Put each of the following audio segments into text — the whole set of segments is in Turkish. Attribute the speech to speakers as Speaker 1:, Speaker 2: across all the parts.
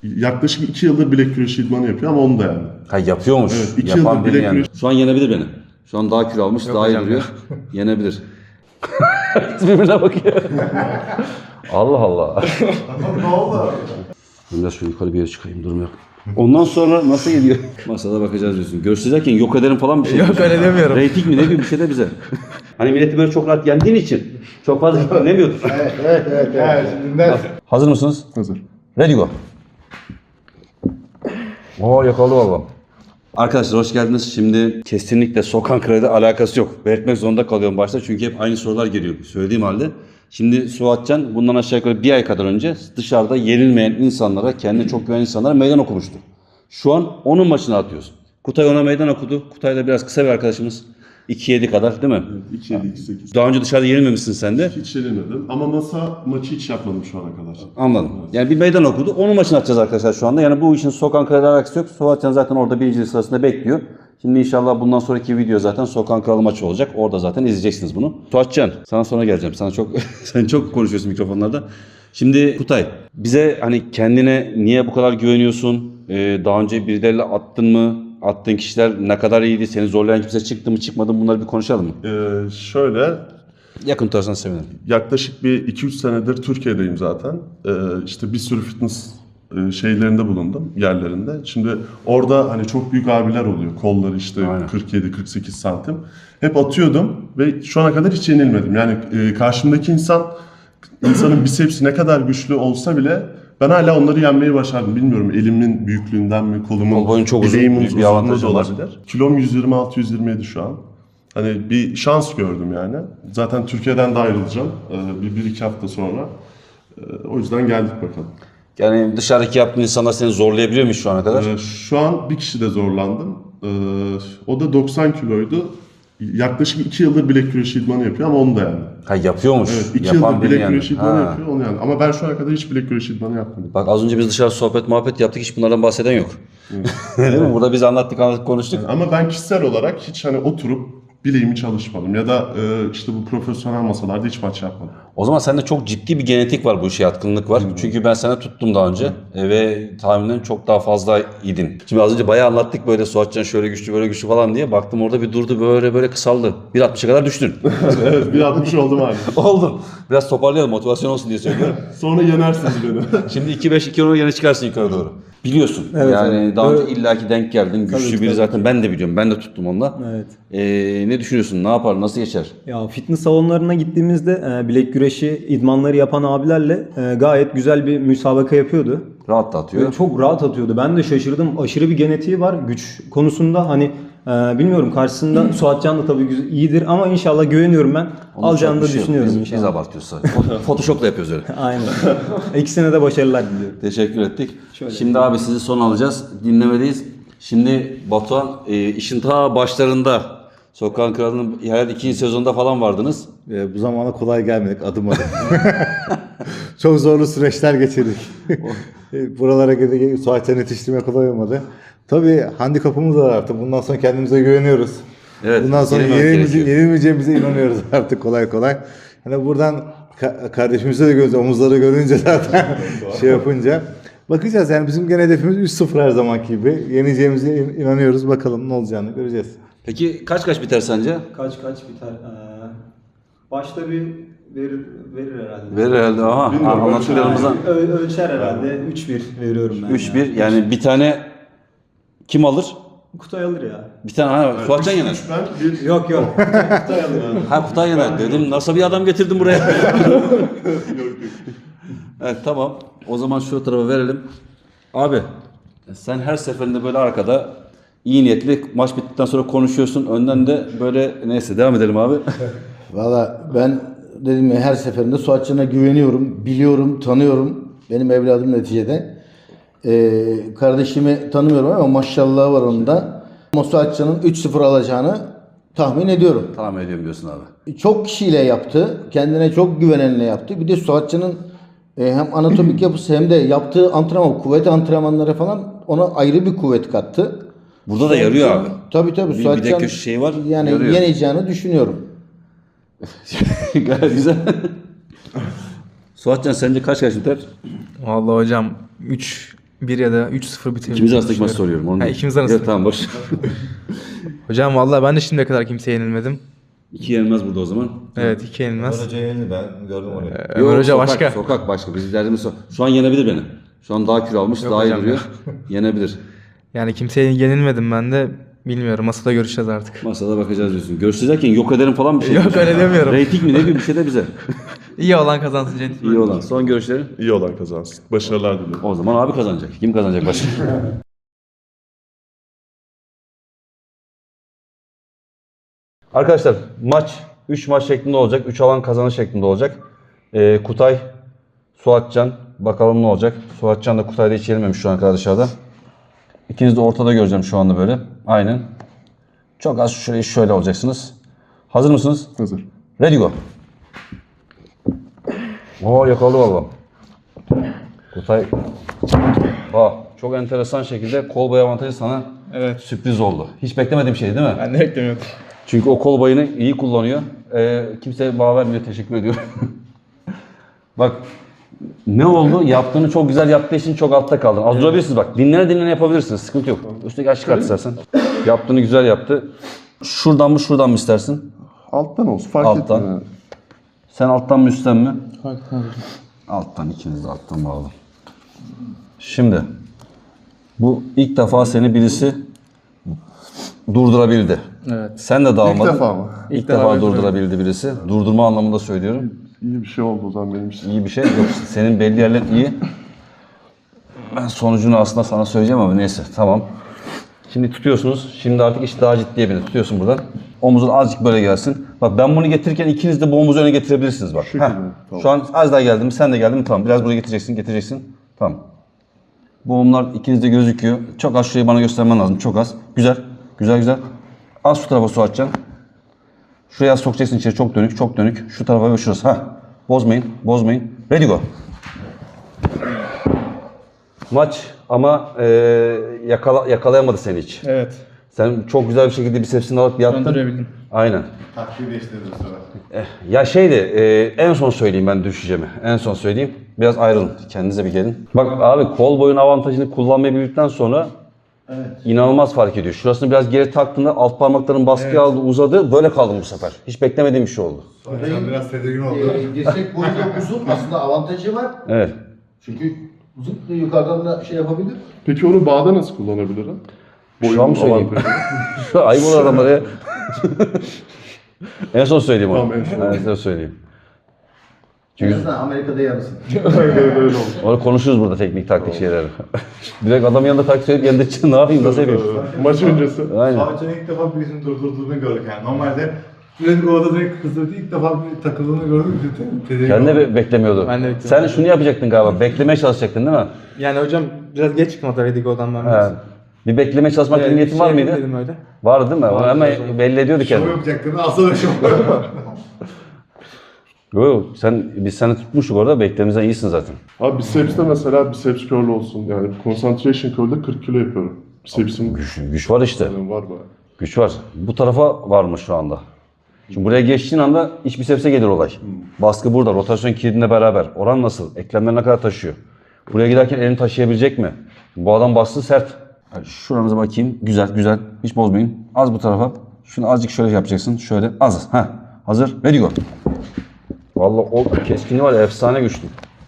Speaker 1: Yaklaşık 2 yıldır bilek güreşi idmanı yapıyor ama onu da yani.
Speaker 2: Ha yapıyormuş.
Speaker 1: Evet, 2
Speaker 2: Yapan
Speaker 1: yıldır
Speaker 2: biri
Speaker 1: bilek
Speaker 2: yani.
Speaker 1: güreşi.
Speaker 2: Şu an yenebilir beni. Şu an daha kilo almış, daha iyi
Speaker 3: hocam
Speaker 2: duruyor. Yenebilir. Birbirine bakıyor. Allah Allah.
Speaker 1: Ne oldu?
Speaker 2: Biraz şöyle yukarı bir yere çıkayım, durum yok. Ondan sonra nasıl geliyor? Masada bakacağız diyorsun. Görüşürken yok ederim falan bir şey.
Speaker 3: Yok öyle demiyorum.
Speaker 2: Reyting mi ne bir şey de bize. Hani milleti böyle çok rahat yendiğin için çok fazla dinlemiyordun.
Speaker 4: Evet, şimdi
Speaker 2: Hazır mısınız?
Speaker 1: Hazır.
Speaker 2: Ready go. Oo yakaladı valla. Arkadaşlar hoş geldiniz. Şimdi kesinlikle Sokan Krali'de alakası yok. Belirtmek zorunda kalıyorum başta çünkü hep aynı sorular geliyor söylediğim halde. Şimdi Suatcan bundan aşağı yukarı bir ay kadar önce dışarıda yenilmeyen insanlara, kendine çok güvenen insanlara meydan okumuştu. Şu an onun maçını atıyorsun. Kutay ona meydan okudu. Kutay da biraz kısa bir arkadaşımız. 2-7 kadar değil mi?
Speaker 1: 2-7-2-8.
Speaker 2: Daha önce dışarıda yenilmemişsin sen de.
Speaker 1: Hiç yenilmedim ama masa maçı hiç yapmadım şu ana kadar.
Speaker 2: Anladım. Yani bir meydan okudu. Onun maçını atacağız arkadaşlar şu anda. Yani bu işin Sokan Kralı alakası yok. Suatcan zaten orada birincilik sırasında bekliyor. Şimdi inşallah bundan sonraki video zaten Sokan Kralı maçı olacak. Orada zaten izleyeceksiniz bunu. Suatcan sana sonra geleceğim. Sana çok sen çok konuşuyorsun mikrofonlarda. Şimdi Kutay bize hani kendine niye bu kadar güveniyorsun? Daha önce birileriyle attın mı? Attığın kişiler ne kadar iyiydi? Seni zorlayan kimse çıktı mı çıkmadı mı? Bunları bir konuşalım mı?
Speaker 1: Şöyle
Speaker 2: Yakın tutarsan sevinirim.
Speaker 1: yaklaşık bir 2-3 senedir Türkiye'deyim zaten. İşte bir sürü fitness şeylerinde bulundum, yerlerinde. Şimdi orada hani çok büyük abiler oluyor. Kolları işte
Speaker 2: Aynen.
Speaker 1: 47-48 santim. Hep atıyordum ve şu ana kadar hiç yenilmedim. Yani karşımdaki insanın bisepsi ne kadar güçlü olsa bile ben hala onları yenmeyi başardım. Bilmiyorum elimin büyüklüğünden mi, kolumun,
Speaker 2: Kol boyun çok uzun,
Speaker 1: bileğimin
Speaker 2: büyük bir
Speaker 1: uzunluğu
Speaker 2: avantajı
Speaker 1: da
Speaker 2: var.
Speaker 1: olabilir. Kilom 126-127 şu an. Hani bir şans gördüm yani. Zaten Türkiye'den de ayrılacağım bir iki hafta sonra. O yüzden geldik bakalım.
Speaker 2: Yani dışarıdaki yaptığın insanlar seni zorlayabiliyor mu şu ana kadar?
Speaker 1: Şu an bir kişi de zorlandım. O da 90 kiloydu. Yaklaşık 2 yıldır bilek güreşi idmanı yapıyor ama onu da yani.
Speaker 2: Ha yapıyormuş.
Speaker 1: Evet, 2
Speaker 2: Yapan
Speaker 1: yıldır
Speaker 2: biri
Speaker 1: bilek
Speaker 2: yani.
Speaker 1: güreşi idmanı
Speaker 2: Ha.
Speaker 1: yapıyor onu yani. Ama ben şu ana kadar hiç bilek güreşi idmanı yapmadım.
Speaker 2: Bak az önce biz dışarı sohbet muhabbet yaptık, hiç bunlardan bahseden yok. Değil mi? Burada biz anlattık konuştuk.
Speaker 1: Ama ben kişisel olarak hiç hani oturup bileğimi çalışmadım. Ya da işte bu profesyonel masalarda hiç maç yapmadım.
Speaker 2: O zaman sende çok ciddi bir genetik var, bu işe yatkınlık var. Çünkü ben sana tuttum daha önce ve tahminen çok daha fazla idin. Şimdi az önce bayağı anlattık böyle Suatcan şöyle güçlü böyle güçlü falan diye. Baktım orada bir durdu böyle kısaldı. 1.60'a kadar düştün.
Speaker 1: Evet 1.60 oldum abi.
Speaker 2: Oldun. Biraz toparlayalım, motivasyon olsun diye söylüyorum.
Speaker 1: Sonra yenersiniz beni.
Speaker 2: Şimdi 2.5 2.10 yine çıkarsın yukarı doğru. Biliyorsun.
Speaker 4: Evet,
Speaker 2: yani
Speaker 4: evet.
Speaker 2: daha önce
Speaker 4: Böyle-
Speaker 2: illaki denk geldin. Güçlü
Speaker 4: Tabii,
Speaker 2: biri
Speaker 4: tabii.
Speaker 2: zaten ben de biliyorum. Ben de tuttum onunla.
Speaker 4: Evet.
Speaker 2: Ne düşünüyorsun? Ne yapar? Nasıl geçer?
Speaker 4: Ya fitness salonlarına gittiğimizde bilek güreşi idmanları yapan abilerle gayet güzel bir müsabaka yapıyordu.
Speaker 2: Rahat da atıyor.
Speaker 4: Ve çok rahat atıyordu. Ben de şaşırdım. Aşırı bir genetiği var güç konusunda. Hani bilmiyorum karşısında Suatcan da tabii iyidir ama inşallah güveniyorum ben.
Speaker 2: Onun
Speaker 4: Alacağını
Speaker 2: çok
Speaker 4: da
Speaker 2: bir şey yok.
Speaker 4: düşünüyorum
Speaker 2: Biz
Speaker 4: inşallah.
Speaker 2: abartıyoruz sadece. Photoshop'la yapıyoruz öyle.
Speaker 4: Aynen. İkisine de başarılar diliyorum.
Speaker 2: Teşekkür ettik.
Speaker 4: Şöyle.
Speaker 2: Şimdi abi sizi son alacağız. Dinlemedeyiz. Şimdi Batuhan işin ta başlarında Sokağın Kralı'nın herhalde 2. sezonda falan vardınız.
Speaker 5: Bu zamana kolay gelmedik adım adım. Çok zorlu süreçler geçirdik. Buralara geldik, Suatcan yetiştirme kolay olmadı. Tabii handikapımız var artık. Bundan sonra kendimize güveniyoruz.
Speaker 2: Evet,
Speaker 5: Bundan sonra
Speaker 2: yenilmemek gerekiyor.
Speaker 5: yenilmeyeceğimize inanıyoruz artık kolay kolay. Hani buradan kardeşimize de görünce, omuzları görünce zaten şey yapınca. Bakacağız yani bizim gene hedefimiz 3-0 her zamanki gibi. Yeneceğimize inanıyoruz. Bakalım ne olacağını göreceğiz.
Speaker 2: Peki kaç biter sence?
Speaker 4: Kaç biter? Başta bir verir herhalde.
Speaker 2: Verir herhalde. Aha,
Speaker 1: Bilmiyorum,
Speaker 2: anlattıklarımızdan.
Speaker 4: Ölçer herhalde. 3-1 veriyorum ben.
Speaker 2: 3-1 yani bir tane kim alır?
Speaker 4: Kutay alır ya.
Speaker 2: Bir tane Suatcan yener.
Speaker 1: 3 ben 1
Speaker 4: Yok. Kutay alır.
Speaker 2: Ha Kutay yener dedim. Nasıl bir adam getirdim buraya? Evet tamam. O zaman şu tarafa verelim. Abi sen her seferinde böyle arkada iyi niyetli maç bittikten sonra konuşuyorsun. Önden de böyle neyse devam edelim abi.
Speaker 6: Valla ben dedim ya her seferinde Suatcan'a güveniyorum, biliyorum, tanıyorum. Benim evladım neticede. Kardeşimi tanımıyorum ama maşallah var onun da. Ama Suatcan'ın 3-0 alacağını tahmin ediyorum.
Speaker 2: Tamam ediyorum diyorsun abi.
Speaker 6: Çok kişiyle yaptı, kendine çok güvenenle yaptı. Bir de Suatcan'ın hem anatomik yapısı hem de yaptığı antrenman, kuvvet antrenmanları falan ona ayrı bir kuvvet kattı.
Speaker 2: Burada da yarıyor abi.
Speaker 6: Tabii
Speaker 2: Bir de
Speaker 6: Suatcan
Speaker 2: köşe şeyi var,
Speaker 6: yani
Speaker 2: yarıyor.
Speaker 6: yeneceğini düşünüyorum.
Speaker 2: Gayet güzel. Suatcan sence kaç biter?
Speaker 3: Vallahi hocam 1 ya da 3-0 bitirir.
Speaker 2: İkimiz arasındaki maçı soruyorum. Onu
Speaker 3: Ha,
Speaker 2: değil.
Speaker 3: ikimiz arasında.
Speaker 2: Evet, tamam boş.
Speaker 3: Hocam vallahi ben de şimdiye kadar kimseye yenilmedim.
Speaker 2: 2 yenilmez burada o zaman.
Speaker 3: Evet 2 yenilmez.
Speaker 5: Hoca yenildi, ben gördüm onu.
Speaker 3: Ömer Hoca
Speaker 2: sokak,
Speaker 3: başka.
Speaker 2: Sokak başka. Bizim derdimiz şu an yenebilir beni. Şu an daha kilo almış,
Speaker 3: Yok
Speaker 2: daha iyi
Speaker 3: hocam
Speaker 2: duruyor. Yenebilir.
Speaker 3: Yani kimseye yenilmedim ben de. Bilmiyorum. Masada görüşeceğiz artık.
Speaker 2: Masada bakacağız diyorsun. Görüşeceğiz derken yok ederim falan bir şey.
Speaker 3: Yok, öyle demiyorum.
Speaker 2: Rating mi ne bir şey de bize.
Speaker 3: İyi olan kazansın Cennet.
Speaker 2: İyi olan. Son görüşleri.
Speaker 1: İyi olan kazansın. Başarılar diliyorum.
Speaker 2: O zaman abi kazanacak. Kim kazanacak başka? Arkadaşlar maç 3 maç şeklinde olacak. 3 alan kazanır şeklinde olacak. Kutay, Suatcan. Bakalım ne olacak. Suatcan da Kutay'da hiç yenilmemiş şu an kadar dışarıda. İkiniz de ortada göreceğim şu anda böyle. Aynen. Çok az şöyle olacaksınız. Hazır mısınız?
Speaker 1: Hazır.
Speaker 2: Ready go. Oo, yakaladı valla. Kutay. Çok enteresan şekilde kol boyu avantajı sana sürpriz oldu. Hiç beklemediğim şey değil mi?
Speaker 3: Ben de beklemiyordum.
Speaker 2: Çünkü o kol bayını iyi kullanıyor. Kimseye bağ vermiyor. Teşekkür ediyorum. Bak ne oldu? Yaptığını çok güzel yaptığı için çok altta kaldın. Az durabilirsiniz bak. Dinlene yapabilirsiniz. Sıkıntı yok. Üstteki açık at istersen. Yaptığını güzel yaptı. Şuradan mı istersin?
Speaker 1: Alttan olsun. Fark
Speaker 2: Alttan.
Speaker 1: etmiyor.
Speaker 2: Sen alttan mı üstten mi? Alttan, ikiniz de alttan bağlı. Şimdi bu ilk defa seni birisi durdurabildi.
Speaker 3: Evet.
Speaker 2: Sen de dağılmadın.
Speaker 1: İlk defa mı?
Speaker 2: İlk defa durdurabildi birisi. Durdurma anlamında söylüyorum.
Speaker 1: İyi bir şey oldu o zaman benim için.
Speaker 2: İyi bir şey. Yok, senin belli yerler iyi. Ben sonucunu aslında sana söyleyeceğim ama neyse, tamam. Şimdi tutuyorsunuz. Şimdi artık iş daha ciddiye bindi. Tutuyorsun buradan. Omuzun azıcık böyle gelsin. Bak ben bunu getirirken ikiniz de bu omuzu öne getirebilirsiniz bak. Heh.
Speaker 1: Tamam.
Speaker 2: Şu an az daha geldi mi? Sen de geldin mi? Tamam. Biraz buraya getireceksin. Tamam. Bu omuzlar ikiniz de gözüküyor. Çok az şurayı bana göstermen lazım. Çok az. Güzel. Az şu tarafa su atacaksın. Şuraya sokacaksın içeri. Çok dönük. Şu tarafa ve şurası. Heh. Bozmayın. Ready go. Maç ama yakalayamadı seni hiç.
Speaker 3: Evet.
Speaker 2: Sen çok güzel bir şekilde bisepsini alıp yattın.
Speaker 3: Döndürebildim.
Speaker 2: Aynen.
Speaker 5: Taktiği değiştirdim sonra.
Speaker 2: Ya en son söyleyeyim ben düşeceğimi. En son söyleyeyim. Biraz ayrılın. Kendinize bir gelin. Bak abi kol boyun avantajını kullanmayı bildikten sonra inanılmaz fark ediyor. Şurasını biraz geri taktığında alt parmakların baskı aldı, uzadı. Böyle kaldım bu sefer. Hiç beklemediğim bir şey oldu.
Speaker 5: Sen biraz tedirgin oldu.
Speaker 6: Dirsek boyunda uzun aslında avantajı var.
Speaker 2: Evet.
Speaker 6: Çünkü zıp diye yukarıdan da şey yapabilir.
Speaker 1: Peki onu bağda nasıl kullanabilirim?
Speaker 2: Şu an mı söyleyeyim?
Speaker 1: avantajı.
Speaker 2: Ayıp olur adamlara ya. En son söyleyeyim onu.
Speaker 1: Tamam, en son.
Speaker 2: En son söyleyeyim.
Speaker 6: En azından Amerika'da yarısın.
Speaker 1: Öyle oldu.
Speaker 2: Onu konuşuruz burada teknik taktik şeyleri. Direkt adam yanında taktik söyleyip yanında çıkın ne yapayım nasıl yapayım?
Speaker 1: Maç öncesi.
Speaker 2: Aynen.
Speaker 5: Savaşçı'nın ilk defa birisini durdurduğunu gördük yani. Normalde Sürekli ovada direkt kızdırdı. İlk defa bir takıldığını gördük.
Speaker 2: Kendi de beklemiyordu.
Speaker 3: Ben de bekliyorum.
Speaker 2: Sen şunu yapacaktın galiba. Beklemeye çalışacaktın değil mi?
Speaker 3: Yani hocam biraz geç çıkmadı Redigo'dan ben
Speaker 2: He.
Speaker 3: biraz.
Speaker 2: Bir beklemeye çalışmak gibi niyetin var mıydı?
Speaker 3: Dedim öyle.
Speaker 2: Vardı değil mi?
Speaker 3: Vardı
Speaker 2: Ama
Speaker 3: hocam.
Speaker 2: belli ediyordu
Speaker 5: Şov
Speaker 2: kendini.
Speaker 5: yapacaktın. Asıl şov.
Speaker 2: Yok biz seni tutmuştuk orada. Beklememizden iyisin zaten.
Speaker 1: Abi bisepste mesela biceps curl olsun. Yani concentration curl'de 40 kilo yapıyorum. Bicepsim
Speaker 2: Güç var işte.
Speaker 1: yani var bayağı.
Speaker 2: Güç var. Bu tarafa var mı şu anda? Şimdi buraya geçtiğin anda iç bisepse gelir olay. Baskı burada. Rotasyon kilidinle beraber. Oran nasıl? Eklemler ne kadar taşıyor? Buraya giderken elini taşıyabilecek mi? Bu adam bastığı sert. Şuramıza bakayım. Güzel. Hiç bozmayın. Az bu tarafa. Şunu azıcık şöyle yapacaksın. Şöyle az. Hazır. Ready go. Vallahi o keskinliği var ya, efsane güçlü.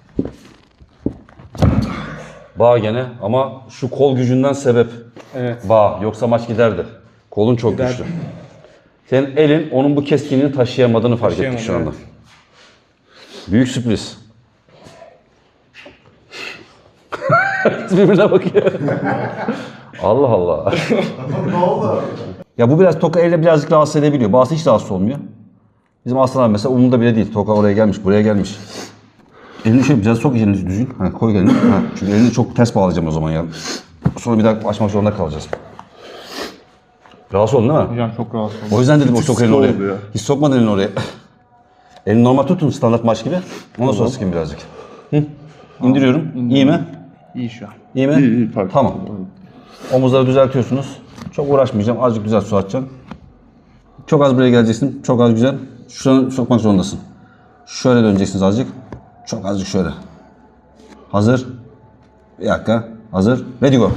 Speaker 2: Bağ gene ama şu kol gücünden sebep.
Speaker 3: Evet.
Speaker 2: Bağ. Yoksa maç giderdi. Kolun çok
Speaker 3: Giderdi.
Speaker 2: güçlü. Senin elin onun bu keskinliğini taşıyamadığını fark ettik şu anda.
Speaker 3: Taşıyamadı,
Speaker 2: Büyük sürpriz. Herkes birbirine bakıyor. Allah Allah.
Speaker 5: Ne oldu?
Speaker 2: Ya bu biraz toka elle birazcık rahatsız edebiliyor. Bazısı hiç rahatsız olmuyor. Bizim Aslan abi mesela umurunda bile değil. Toka oraya gelmiş, buraya gelmiş. Elini şöyle biraz sok elini düzgün. Koy elini. Çünkü elini çok ters bağlayacağım o zaman ya. Sonra bir daha açmak zorunda kalacağız. Rahatsız oldun değil mi?
Speaker 3: Hocam çok rahatsız oldum.
Speaker 2: O yüzden dedim o sok elini oraya.
Speaker 1: oldu ya.
Speaker 2: Hiç sokmadın elini oraya. Elini normal tutun standart maç gibi. Ondan sonra sıkayım birazcık. İndiriyorum. İyi mi?
Speaker 3: İyi şu an.
Speaker 2: İyi mi?
Speaker 1: İyi fark
Speaker 2: Tamam.
Speaker 1: ettim.
Speaker 2: Omuzları düzeltiyorsunuz. Çok uğraşmayacağım. Azıcık güzel su atacaksın. Çok az buraya geleceksin. Çok az güzel. Şunu sokmak zorundasın. Şöyle döneceksiniz azıcık. Çok azıcık şöyle. Hazır. Bir dakika. Hazır. Ready go.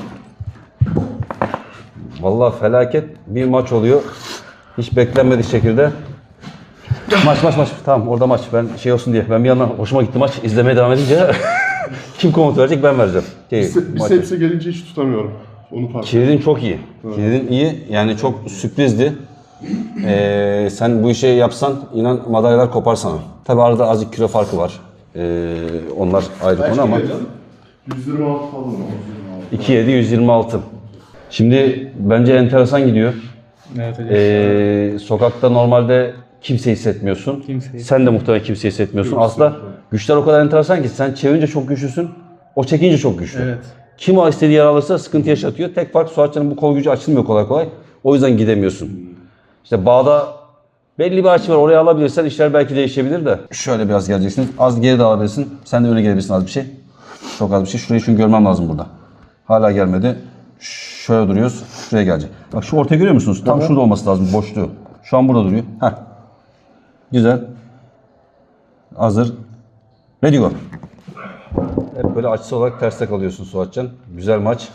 Speaker 2: Vallahi felaket bir maç oluyor. Hiç beklenmedik şekilde. Maç. Tamam orada maç. Ben şey olsun diye. Ben bir yandan hoşuma gitti maç. İzlemeye devam edince kim komut verecek ben vereceğim.
Speaker 1: Biseps'e gelince hiç tutamıyorum. Onu fark ettim.
Speaker 2: Kilidin çok iyi. Kilidin iyi. Yani çok sürprizdi. Sen bu işi yapsan inan madalyalar kopar sana. Tabi arada azıcık kilo farkı var. Onlar ayrı konu ama.
Speaker 1: 126 falan.
Speaker 2: 2.7 126. Şimdi bence enteresan gidiyor.
Speaker 3: Evet hocam.
Speaker 2: Sokakta normalde kimse hissetmiyorsun.
Speaker 3: Kimseyi.
Speaker 2: Sen de muhtemelen kimse hissetmiyorsun. Aslında güçler o kadar enteresan ki sen çevirince çok güçlüsün. O çekince çok güçlü.
Speaker 3: Evet.
Speaker 2: Kim o istediği yer alırsa sıkıntı yaşatıyor. Tek fark Suatcan'ın bu kol gücü açılmıyor kolay kolay. O yüzden gidemiyorsun. İşte bağda belli bir açı var. Oraya alabilirsen işler belki değişebilir de. Şöyle biraz geleceksin. Az geri de alabilirsin. Sen de öne gelebilirsin az bir şey. Çok az bir şey. Şurayı çünkü görmem lazım burada. Hala gelmedi. Şöyle duruyoruz. Şuraya gelecek. Bak şu ortayı görüyor musunuz? Tam şurada olması lazım boşluğu. Şu an burada duruyor. Heh. Güzel. Hazır. Ready go. Hep böyle açısı olarak terste kalıyorsun Suatcan. Güzel maç.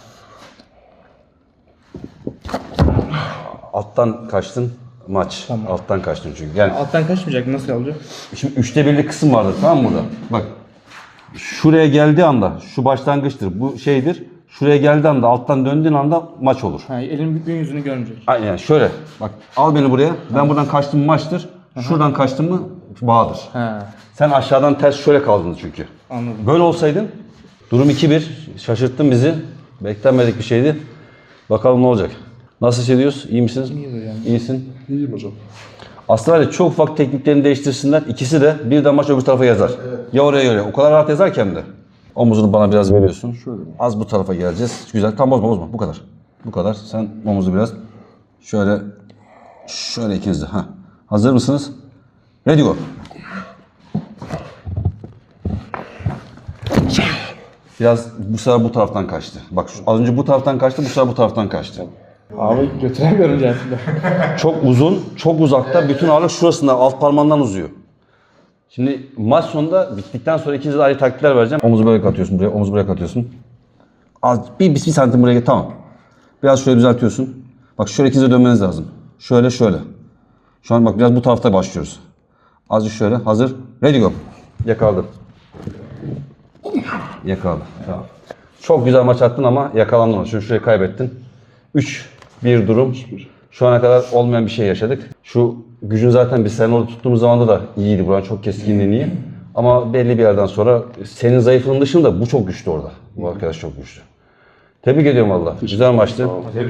Speaker 2: Alttan kaçtın maç.
Speaker 3: Tamam.
Speaker 2: Alttan kaçtın çünkü. Yani
Speaker 3: Alttan kaçmayacak nasıl olacak?
Speaker 2: şimdi 1/3'lik kısım vardır tamam mı burada? Bak. Şuraya geldiği anda şu başlangıçtır. Bu şeydir. Şuraya geldiği anda alttan döndüğün anda maç olur.
Speaker 3: Ha, elin büyüklüğün yüzünü görmeyecek.
Speaker 2: Aynen şöyle. Bak al beni buraya. Ben buradan kaçtım mı maçtır. Şuradan kaçtım mı bağdır.
Speaker 3: Ha,
Speaker 2: Sen aşağıdan ters şöyle kaldın çünkü.
Speaker 3: anladım.
Speaker 2: Böyle olsaydın durum 2-1. Şaşırttın bizi. Beklenmedik bir şeydi. Bakalım ne olacak. Nasıl hissediyoruz? İyi misiniz?
Speaker 3: İyiyiz hocam.
Speaker 2: İyisin.
Speaker 1: İyiyim hocam.
Speaker 2: Aslında var ya, çok ufak tekniklerini değiştirsinler. İkisi de birden maç öbür tarafa yazar. Ya oraya ya oraya. O kadar rahat yazar ki hem de. Omuzunu bana biraz veriyorsun. Az bu tarafa geleceğiz. Güzel. Tam bozma. Bu kadar. Bu kadar. Sen omuzu biraz şöyle ikiniz de. Ha. Hazır mısınız? Ready go. Biraz bu sefer bu taraftan kaçtı. Bak az önce bu taraftan kaçtı, bu sefer bu taraftan kaçtı.
Speaker 3: Abi götüremiyorum cihazında.
Speaker 2: Çok uzun, çok uzakta. Bütün ağırlık şurasında, alt parmağından uzuyor. Şimdi maç sonunda bittikten sonra ikinize de ayrı taktikler vereceğim. Omuzu böyle katıyorsun buraya, omuzu buraya katıyorsun. Az, bir santim buraya gel, tamam. Biraz şöyle düzeltiyorsun. Bak şöyle ikinize dönmeniz lazım. Şöyle. Şu an bak biraz bu tarafta başlıyoruz. Azıcık şöyle, hazır. Ready go. Yakaladım. Tamam. Çok güzel maç attın ama yakalandın. Şimdi şurayı kaybettin. 3-1 durum. Şu ana kadar olmayan bir şey yaşadık. Şu gücün zaten biz senin orada tuttuğumuz zamanda da iyiydi. Buranın çok keskinliğin iyi. Ama belli bir yerden sonra senin zayıflığın dışında bu çok güçlü orada. Bu arkadaş çok güçlü. Tebrik ediyorum valla. Güzel maçtı.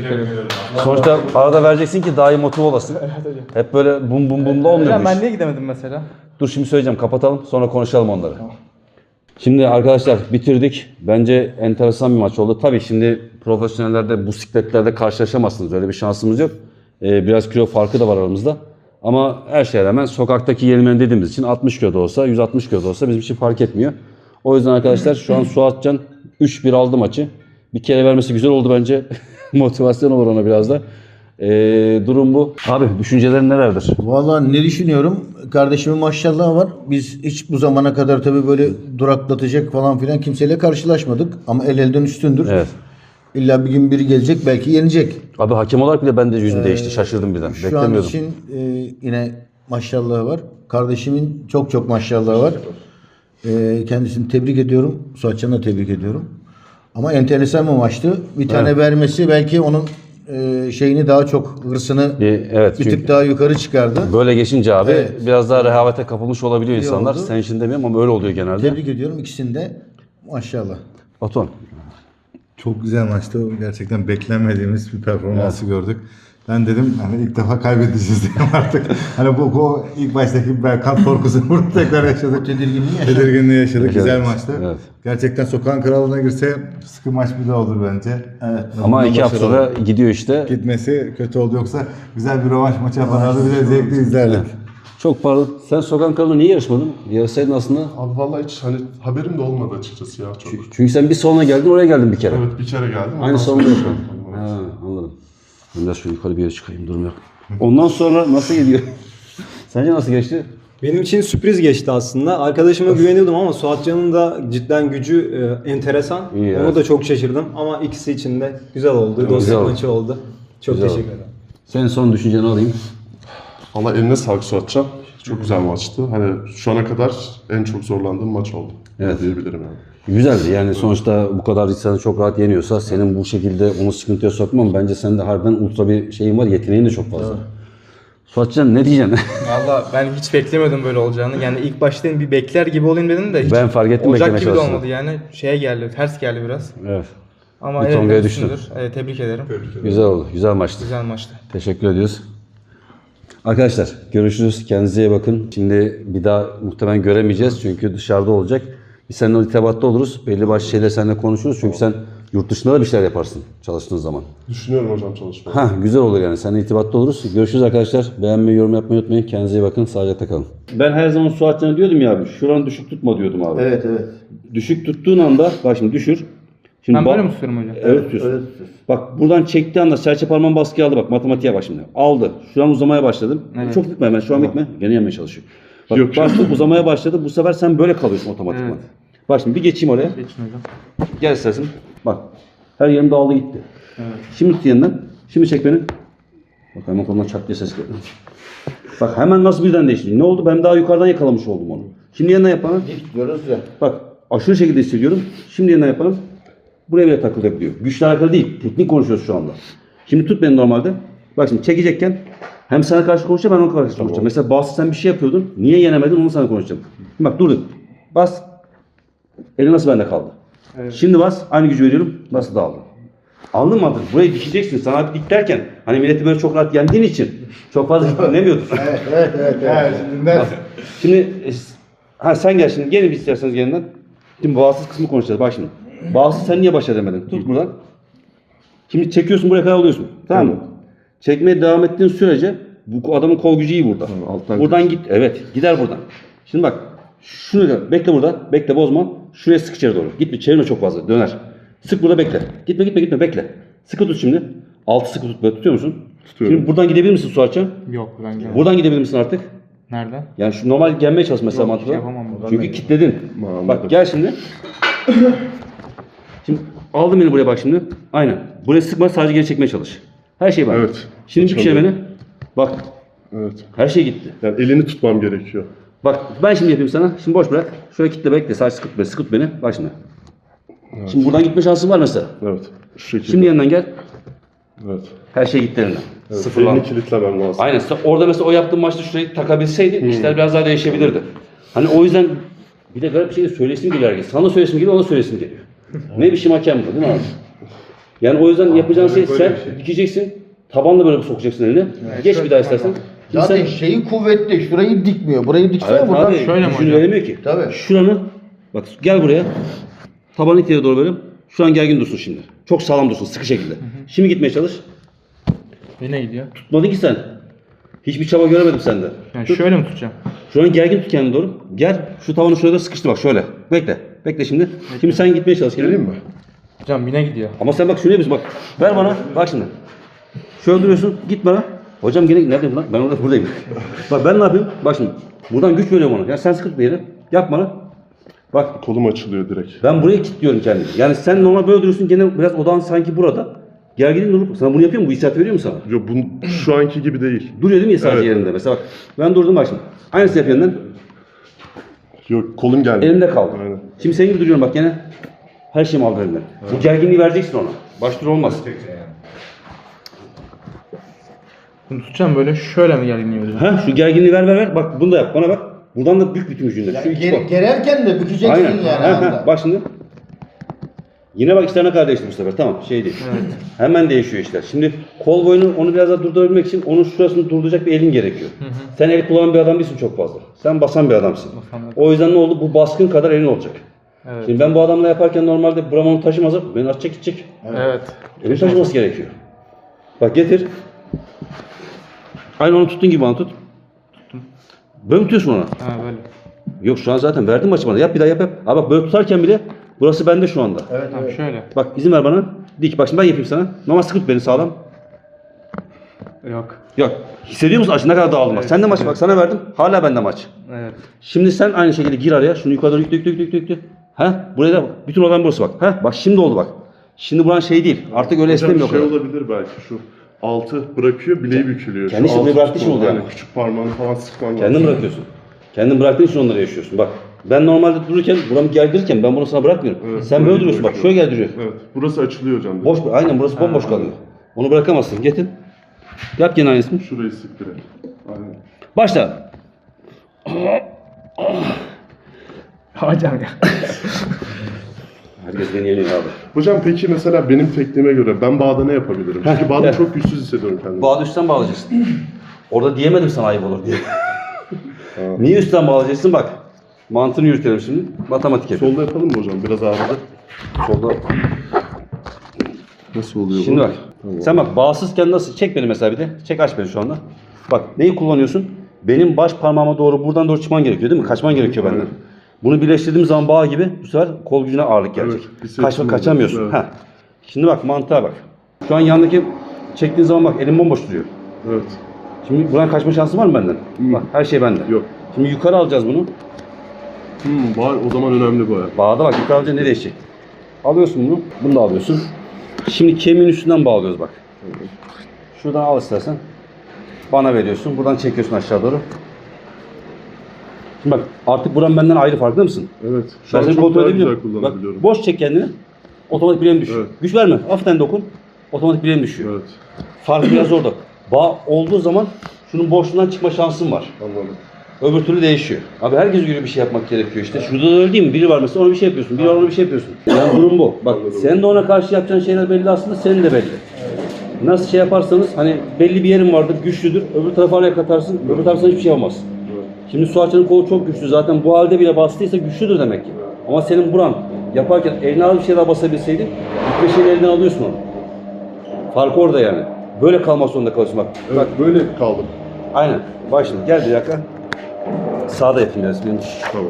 Speaker 2: Sonuçta arada vereceksin ki daha iyi motive olasın. Hep böyle bum bumla olmuyor
Speaker 3: Hocam
Speaker 2: bu
Speaker 3: ben
Speaker 2: iş.
Speaker 3: niye gidemedim mesela?
Speaker 2: Dur şimdi söyleyeceğim. Kapatalım. Sonra konuşalım onları. Şimdi arkadaşlar bitirdik. Bence enteresan bir maç oldu. Tabii şimdi profesyonellerde bu sikletlerde karşılaşamazsınız. Öyle bir şansımız yok. Biraz kilo farkı da var aramızda. Ama her şeye rağmen sokaktaki yenilmen dediğimiz için 60 kilo da olsa 160 kilo da olsa bizim için fark etmiyor. O yüzden arkadaşlar şu an Suatcan 3-1 aldı maçı. Bir kere vermesi güzel oldu bence. Motivasyon olur ona biraz da. Durum bu. Abi düşüncelerin nelerdir?
Speaker 6: Vallahi ne düşünüyorum? Kardeşimin maşallahı var. Biz hiç bu zamana kadar tabii böyle duraklatacak falan filan kimseyle karşılaşmadık. Ama el elden üstündür.
Speaker 2: Evet.
Speaker 6: İlla bir gün biri gelecek belki yenecek.
Speaker 2: Abi hakem olarak bile ben de yüzüm değişti. Şaşırdım birden.
Speaker 6: Şu an
Speaker 2: Beklemiyordum.
Speaker 6: için yine maşallahı var. Kardeşimin çok maşallahı var. Kendisini tebrik ediyorum. Suatcan'ı da tebrik ediyorum. Ama enteresan bir maçtı. Bir tane vermesi belki onun şeyini daha çok hırsını
Speaker 2: Evet,
Speaker 6: bir
Speaker 2: çünkü
Speaker 6: tık daha yukarı çıkardı.
Speaker 2: böyle geçince abi
Speaker 6: Evet.
Speaker 2: biraz daha rehavete kapılmış olabiliyor insanlar.
Speaker 6: oldu.
Speaker 2: Sen için demiyorum ama öyle oluyor genelde.
Speaker 6: Tebrik ediyorum ikisini de. Maşallah.
Speaker 2: Batuhan.
Speaker 5: Çok güzel maçtı. Gerçekten beklenmediğimiz bir performansı gördük. Ben dedim hani ilk defa kaybedeceğiz diye artık. Hani bu ilk baştaki Berkant korkusunu burada tekrar yaşadık. Tedirginliği yaşadık. Güzel maçtı.
Speaker 2: Evet.
Speaker 5: Gerçekten sokağın kralına girse sıkı maç bir daha olur bence. Evet.
Speaker 2: Ama 2 hafta sonra gidiyor işte.
Speaker 5: Gitmesi kötü oldu, yoksa güzel bir rövanş maçı yaparlardı. Bir de zevkli izlerdik.
Speaker 2: Çok pardon. Sen sokak kralına niye yarışmadın? Yarışsaydın aslında.
Speaker 1: Abi vallahi hiç hani haberim de olmadı açıkçası ya çok.
Speaker 2: Çünkü sen bir salona geldin, oraya geldin bir kere.
Speaker 1: Evet bir kere geldim.
Speaker 2: Aynı
Speaker 1: Ondan
Speaker 2: salonda
Speaker 1: sonra-
Speaker 2: yapalım. Ha, anladım. Ben biraz şöyle yukarı bir yere çıkayım, durum yok. Ondan sonra nasıl gidiyor? Sence nasıl geçti?
Speaker 4: Benim için sürpriz geçti aslında. Arkadaşıma güveniyordum ama Suatcan'ın da cidden gücü enteresan.
Speaker 2: İyi,
Speaker 4: Ona
Speaker 2: evet.
Speaker 4: da çok şaşırdım ama ikisi için de güzel oldu.
Speaker 2: güzel
Speaker 4: Dostluk
Speaker 2: oldu.
Speaker 4: maçı oldu. Çok
Speaker 2: Güzel
Speaker 4: teşekkür
Speaker 2: oldu.
Speaker 4: ederim.
Speaker 2: Senin son düşünceni alayım.
Speaker 1: Valla eline sağlık Suatcan. Çok güzel maçtı. Hani şu ana kadar en çok zorlandığım maç oldu.
Speaker 2: Evet.
Speaker 1: Diyebilirim yani.
Speaker 2: Güzeldi yani sonuçta bu kadar insanı çok rahat yeniyorsa senin bu şekilde onu sıkıntıya sokman bence sende harbiden ultra bir şeyin var, yeteneğin de çok fazla. Suatcan ne diyeceksin?
Speaker 3: Valla ben hiç beklemiyordum böyle olacağını. Yani ilk başta bir bekler gibi olayım dedim de hiç
Speaker 2: Ben fark ettim,
Speaker 3: olacak
Speaker 2: beklemeye
Speaker 3: gibi de
Speaker 2: çalıştım.
Speaker 3: olmadı yani. Şeye geldi, ters geldi biraz.
Speaker 2: Evet.
Speaker 3: Ama
Speaker 2: Bir tongaya
Speaker 3: evet,
Speaker 2: düştün.
Speaker 3: üstündür. Evet, tebrik ederim.
Speaker 2: Güzel oldu. Güzel maçtı.
Speaker 3: Güzel maçtı.
Speaker 2: Teşekkür ediyoruz. Arkadaşlar görüşürüz. Kendinize iyi bakın. Şimdi bir daha muhtemelen göremeyeceğiz çünkü dışarıda olacak. Biz seninle irtibatta oluruz. Belli başlı şeyler seninle konuşuruz. Çünkü sen yurt dışında da bir şeyler yaparsın çalıştığın zaman.
Speaker 1: Düşünüyorum hocam çalışmayı.
Speaker 2: Ha güzel olur yani. Seninle irtibatta oluruz. Görüşürüz arkadaşlar. Beğenmeyi, yorum yapmayı unutmayın. Kendinize iyi bakın. Sağlıcakla kalın. Ben her zaman Suatcan'a diyordum ya abi. Şuranı düşük tutma diyordum abi.
Speaker 6: Evet evet.
Speaker 2: Düşük tuttuğun anda bak şimdi düşür. Şimdi
Speaker 3: Ben böyle mi tutuyorum hocam?
Speaker 2: Evet tutuyorsun. Bak buradan çektiği anda serçe parmağın baskıya aldı bak matematiğe bak şimdi. Aldı. Şu an uzamaya başladım.
Speaker 3: Evet.
Speaker 2: Çok bitme hemen şu an bitme. Gene yenmeye çalışıyor. Bak
Speaker 1: Yok.
Speaker 2: başladı uzamaya başladı. Bu sefer sen böyle kalıyorsun otomatikman.
Speaker 3: Evet.
Speaker 2: Bak şimdi bir geçeyim oraya.
Speaker 3: Geçin hocam.
Speaker 2: Gel istersen. Bak. Her yerim dağıldı gitti.
Speaker 3: Evet.
Speaker 2: Şimdi tut yeniden. Şimdi çek beni. Bak hemen kolundan çat diye ses geldi. Bak hemen nasıl birden değişti. Ne oldu? Ben daha yukarıdan yakalamış oldum onu. Şimdi yeniden yap bana.
Speaker 6: Dik diyoruz ya.
Speaker 2: Bak aşırı şekilde hissediyorum. Şimdi yeniden yapalım. Buraya bile takılabiliyor. Güçle alakalı değil. Teknik konuşuyoruz şu anda. Şimdi tut beni normalde. Bak şimdi çekecekken hem sana karşı konuşacağım ben ona karşı konuşacağım. Mesela bazı sen bir şey yapıyordun. Niye yenemedin onu sana konuşacağım. Şimdi bak durdun. Bas. Eli nasıl bende kaldı?
Speaker 3: Evet.
Speaker 2: Şimdi bas. Aynı gücü veriyorum. Nasıl dağıldı? Anladın mı artık? Burayı dikeceksin. Sana dik derken hani milleti böyle çok rahat yendiğin için çok fazla dinlemiyordun. Şimdi sen gel şimdi. Gelin bir isterseniz yeniden. Şimdi bağımsız kısmı konuşacağız. Bak şimdi. Bağımsız sen niye baş edemedin? Tut buradan. Şimdi çekiyorsun buraya kadar alıyorsun. Tamam mı? Çekmeye devam ettiğin sürece bu adamın kol gücü iyi burada.
Speaker 1: alttan
Speaker 2: Buradan git. Evet. Gider buradan. Şimdi bak. Şunu da bekle burada. Bekle bozma. Şuraya sık içeri doğru. Gitme çevirme çok fazla. Döner. Sık burada bekle. Gitme bekle. Sıkı tut şimdi. Altı sıkı tut. Böyle tutuyor musun?
Speaker 1: Tutuyorum.
Speaker 2: Şimdi buradan gidebilir misin Suatcan?
Speaker 3: Yok ben gelmedim.
Speaker 2: Buradan gidebilir misin artık?
Speaker 3: Nereden?
Speaker 2: Yani şu normal gelmeye çalış mesela
Speaker 3: Yok,
Speaker 2: mantıkla.
Speaker 3: yapamam buradan.
Speaker 2: Çünkü kilitledin.
Speaker 1: Anladım.
Speaker 2: Bak gel şimdi. Şimdi aldım beni buraya bak şimdi. Aynen. Buraya sıkma sadece geri çekmeye çalış. Her şey var.
Speaker 1: Evet.
Speaker 2: Şimdi bir kere beni. Bak
Speaker 1: Evet.
Speaker 2: her şey gitti.
Speaker 1: Yani elini tutmam gerekiyor.
Speaker 2: Bak ben şimdi yapayım sana. Şimdi boş bırak. Şöyle kitle bekle. Sadece sıkıt beni. Bak şimdi. Şimdi buradan gitme şansın var mesela.
Speaker 1: Evet. Şu şekilde.
Speaker 2: Şimdi yanından gel.
Speaker 1: Evet.
Speaker 2: Her şey gitti elinden.
Speaker 1: Evet.
Speaker 2: Sıfırlandı.
Speaker 1: Elini kilitlemem lazım.
Speaker 2: Aynen. Orada mesela o yaptığın maçta şurayı takabilseydin işler biraz daha değişebilirdi. Hani o yüzden bir de garip bir şey de söylesim geliyor herkes. Sana söylesim geliyor, ona söylesim geliyor. Ne biçim hakem bu değil mi abi? Yani o yüzden yapacağın şey sen dikeceksin. Tabanla böyle sokacaksın elini. Geç bir daha istersen. Şimdi
Speaker 6: Zaten
Speaker 2: sen-
Speaker 6: şeyi kuvvetli. Şurayı dikmiyor. Burayı diksene
Speaker 2: Evet
Speaker 6: buradan.
Speaker 2: abi
Speaker 3: şöyle mi
Speaker 2: gücünü
Speaker 3: hocam?
Speaker 2: veremiyor ki.
Speaker 6: Tabii.
Speaker 2: Şuranı bak gel buraya. Tabanı ileri doğru böyle. Şu an gergin dursun şimdi. Çok sağlam dursun sıkı şekilde. Şimdi gitmeye çalış.
Speaker 3: Yine gidiyor.
Speaker 2: Tutmadın ki sen. Hiçbir çaba göremedim sende.
Speaker 3: Yani şöyle mi tutacağım?
Speaker 2: Şu an gergin tut kendini doğru. Gel şu tavanı şurada sıkıştır bak şöyle. Bekle. Bekle şimdi. Şimdi sen gitmeye çalış.
Speaker 1: Geleyim mi?
Speaker 3: Hocam yine gidiyor.
Speaker 2: Ama sen bak şunu yapıyorsun bak. Ver bana. Bak şimdi. Şöyle duruyorsun. Git bana. Hocam gene neredeyim lan? Ben orada buradayım. Bak ben ne yapayım? Bak şimdi. Buradan güç veriyorum ona. Ya sen sıkıntı bir yere. Yap bana. Bak
Speaker 1: Kolum açılıyor direkt.
Speaker 2: ben buraya kilitliyorum kendimi. Yani sen normal böyle duruyorsun gene biraz odağın sanki burada. Gerginliğin durup sana bunu yapıyor mu? Bu hissiyat veriyor mu sana?
Speaker 1: Yo, şu anki gibi değil.
Speaker 2: Duruyor değil mi sadece
Speaker 1: Evet.
Speaker 2: yerinde? Mesela bak ben durdum bak şimdi. Aynısı yapıyorsun.
Speaker 1: Yok kolum geldi.
Speaker 2: Elimde kaldı.
Speaker 1: Aynen.
Speaker 2: Şimdi senin gibi duruyorum bak gene. Her şeyimi aldı elimden. Bu gerginliği vereceksin ona. Baştur olmaz.
Speaker 3: Bunu tutacağım böyle şöyle mi gerginliyor hocam?
Speaker 2: Ha şu gerginliği ver. Bak bunu da yap. Bana bak. Buradan da bük bütün gücünde. Şu iki bak.
Speaker 6: Gererken de bükeceksin
Speaker 2: Aynen.
Speaker 6: yani.
Speaker 2: Ha, ha.
Speaker 6: anda.
Speaker 2: Bak şimdi. Yine bak işler ne kadar değişti bu sefer. Tamam şey değil. Hemen değişiyor işler. Şimdi kol boyunu onu biraz daha durdurabilmek için onun şurasını durduracak bir elin gerekiyor. Sen el kullanan bir adam değilsin çok fazla. Sen basan bir adamsın.
Speaker 3: Basan bir-
Speaker 2: O yüzden ne oldu? Bu baskın kadar elin olacak.
Speaker 3: Evet.
Speaker 2: Şimdi ben bu adamla yaparken normalde buram onu taşımaz. Beni atacak gidecek.
Speaker 3: Evet.
Speaker 2: Elini taşıması gerekiyor. Bak getir. Aynı onu tuttuğun gibi bana tut. Böyle mi tutuyorsun ona?
Speaker 3: Ha böyle.
Speaker 2: Yok şu an zaten verdim maçı bana. Yap bir daha yap. Abi bak böyle tutarken bile burası bende şu anda.
Speaker 3: Tamam şöyle.
Speaker 2: Bak izin ver bana. Dik bak şimdi ben yapayım sana. Normal sıkı tut beni sağlam.
Speaker 3: Yok.
Speaker 2: Yok. Hissediyor musun aç ne kadar dağıldım bak. Sen de maç bak sana verdim. Hala bende maç.
Speaker 3: Evet.
Speaker 2: Şimdi sen aynı şekilde gir araya. Şunu yukarı doğru yükle. Ha? Buraya da bütün olan burası bak. Ha? Bak şimdi oldu bak. Şimdi buran şey değil. Artık öyle
Speaker 1: Hocam
Speaker 2: esnemiyor o
Speaker 1: şey
Speaker 2: kadar.
Speaker 1: olabilir belki şu altı bırakıyor bileği bükülüyor.
Speaker 2: Kendi
Speaker 1: Şu
Speaker 2: işini
Speaker 1: altı
Speaker 2: bıraktığı için
Speaker 1: tutma,
Speaker 2: oluyor
Speaker 1: yani
Speaker 2: ama.
Speaker 1: küçük parmağını falan sıkman lazım.
Speaker 2: Kendin bırakıyorsun. Kendin bıraktığın için onları yaşıyorsun. Bak ben normalde dururken buramı gerdirirken ben bunu sana bırakmıyorum.
Speaker 1: Evet,
Speaker 2: Sen böyle
Speaker 1: böyle
Speaker 2: duruyorsun bak
Speaker 1: bırakıyorum.
Speaker 2: şöyle gerdiriyor.
Speaker 1: Evet. Burası açılıyor hocam.
Speaker 2: Boş aynen burası bomboş kalıyor. Onu bırakamazsın. Getir. Yap gene aynısını.
Speaker 1: Şurayı sık direkt. Aynen.
Speaker 2: Başla.
Speaker 3: Hocam ya.
Speaker 2: Herkes beni yeniyor abi.
Speaker 1: Hocam peki mesela benim tekniğime göre ben bağda ne yapabilirim? Çünkü bağda
Speaker 2: gel.
Speaker 1: çok güçsüz hissediyorum kendimi.
Speaker 2: Bağda üstten bağlayacaksın. Orada diyemedim sana ayıp olur diye. Niye üstten bağlayacaksın bak. Mantığını yürütelim şimdi. Matematik yapalım.
Speaker 1: Solda yapalım mı hocam? Biraz ağrıdı.
Speaker 2: Solda.
Speaker 1: Nasıl oluyor
Speaker 2: Şimdi
Speaker 1: bu?
Speaker 2: bak. Sen bak bağımsızken nasıl? Çek beni mesela bir de. Çek aç beni şu anda. Bak neyi kullanıyorsun? Benim baş parmağıma doğru buradan doğru çıkman gerekiyor değil mi? Kaçman gerekiyor benden. Bunu birleştirdiğim zaman bağ gibi bu sefer kol gücüne ağırlık gelecek.
Speaker 1: Evet, hissettim
Speaker 2: Kaçamıyorsun.
Speaker 1: evet.
Speaker 2: Heh. Şimdi bak mantığa bak. Şu an yandaki çektiğin zaman bak elim bomboş duruyor.
Speaker 1: Evet.
Speaker 2: Şimdi buradan kaçma şansın var mı benden? Bak her şey bende.
Speaker 1: Yok.
Speaker 2: Şimdi yukarı alacağız bunu.
Speaker 1: Var o zaman önemli bu ya.
Speaker 2: Bağda bak yukarı alınca ne değişecek? Alıyorsun bunu. Bunu da alıyorsun. Şimdi kemiğin üstünden bağlıyoruz bak. Şuradan al istersen. Bana veriyorsun. Buradan çekiyorsun aşağı doğru. Şimdi bak artık buran benden ayrı farkında mısın?
Speaker 1: Evet. Şu
Speaker 2: Ben
Speaker 1: an
Speaker 2: seni
Speaker 1: çok
Speaker 2: kontrol
Speaker 1: daha
Speaker 2: edebiliyorum.
Speaker 1: güzel
Speaker 2: Bak
Speaker 1: kullanabiliyorum.
Speaker 2: boş çek kendini. Otomatik bileğim düşüyor.
Speaker 1: Evet.
Speaker 2: Güç verme. Hafiften dokun. Otomatik bileğim düşüyor.
Speaker 1: Evet.
Speaker 2: Fark biraz orada. Bağ olduğu zaman şunun boşluğundan çıkma şansın var.
Speaker 1: Anladım.
Speaker 2: Öbür türlü değişiyor. Abi herkes göre bir şey yapmak gerekiyor işte. Şurada da öyle değil mi? Biri var mesela ona bir şey yapıyorsun. Biri var ona bir şey yapıyorsun. Yani durum bu. Bak sen de ona karşı yapacağın şeyler belli aslında senin de belli. Nasıl şey yaparsanız hani belli bir yerin vardır güçlüdür. Öbür tarafa araya katarsın. Öbür taraftan hiçbir şey olmaz. Şimdi Suatçı'nın kolu çok güçlü. Zaten bu halde bile bastıysa güçlüdür demek ki. Ama senin buran yaparken eline alıp bir şey daha basabilseydin bir şeyini elinden alıyorsun onu. Fark orada yani. Böyle kalmak zorunda kalıyorsun bak.
Speaker 1: Evet,
Speaker 2: Bak
Speaker 1: böyle kaldım.
Speaker 2: aynen. Bak şimdi gel bir dakika. Sağda yapayım biraz. Benim
Speaker 1: Tamam.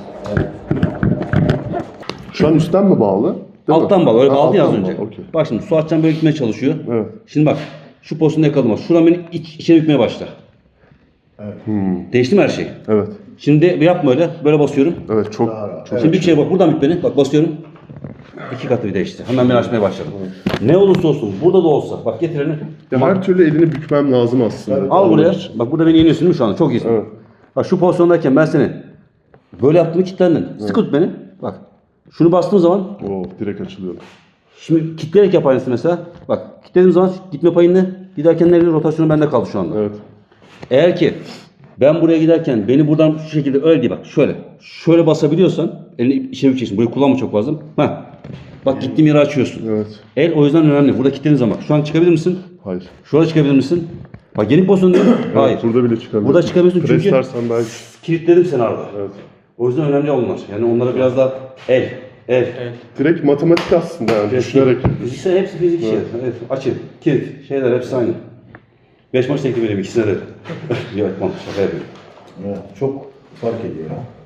Speaker 1: Şu an üstten mi bağlı? Değil mi?
Speaker 2: alttan bağlı. Öyle
Speaker 1: Ha,
Speaker 2: bağlı ya az
Speaker 1: alttan
Speaker 2: önce.
Speaker 1: bağlı, okey.
Speaker 2: Bak şimdi Suatcan böyle gitmeye çalışıyor.
Speaker 1: Evet.
Speaker 2: Şimdi bak şu pozisyonda yakalamaz. Şuradan beni içeri bükmeye başla. Değişti mi her şey?
Speaker 1: Evet.
Speaker 2: Şimdi yapma öyle. Böyle basıyorum.
Speaker 1: Evet çok çok
Speaker 2: Şimdi bir şey bak buradan bük beni. Bak basıyorum. 2 katı bir değişti. Hemen beni açmaya başladım. Ne olursa olsun burada da olsa. Bak getir elini.
Speaker 1: Ya
Speaker 2: Bak,
Speaker 1: her türlü elini bükmem lazım aslında.
Speaker 2: al buraya. Bak burada beni yeniyorsun değil mi şu anda? Çok iyisin.
Speaker 1: Evet.
Speaker 2: Bak şu pozisyondayken ben seni böyle yaptığımı kilitlendin. Sıkı tut beni. Bak. Şunu bastığım zaman
Speaker 1: Oo, direkt açılıyorum.
Speaker 2: şimdi kilitleyerek yap aynısını mesela. Bak kilitlediğim zaman gitme payın ne? Giderken nereye rotasyonu bende kaldı şu anda.
Speaker 1: Evet.
Speaker 2: Eğer ki ben buraya giderken beni buradan şu şekilde öyle değil bak şöyle. Şöyle basabiliyorsan elini içeri bükeceksin. Burayı kullanma çok fazla. Heh. Bak gittiğim yeri açıyorsun.
Speaker 1: Evet.
Speaker 2: El o yüzden önemli. Burada kilitlediğin zaman. Şu an çıkabilir misin?
Speaker 1: Hayır.
Speaker 2: Şurada çıkabilir misin? Bak yeni pozisyon değil mi? Hayır.
Speaker 1: Burada bile çıkabilirim.
Speaker 2: Burada çıkabiliyorsun çünkü
Speaker 1: Preslersen belki.
Speaker 2: kilitledim seni arada.
Speaker 1: Evet.
Speaker 2: O yüzden önemli onlar. Yani onlara biraz daha el.
Speaker 1: Direkt matematik aslında yani düşünerek.
Speaker 2: Fiziksel hepsi fizik işi. Evet. Açı, kilit, şeyler hepsi aynı. 5 maç teklif edeyim ikisine de. Yok, şaka yapıyorum.
Speaker 6: Evet, çok fark ediyor.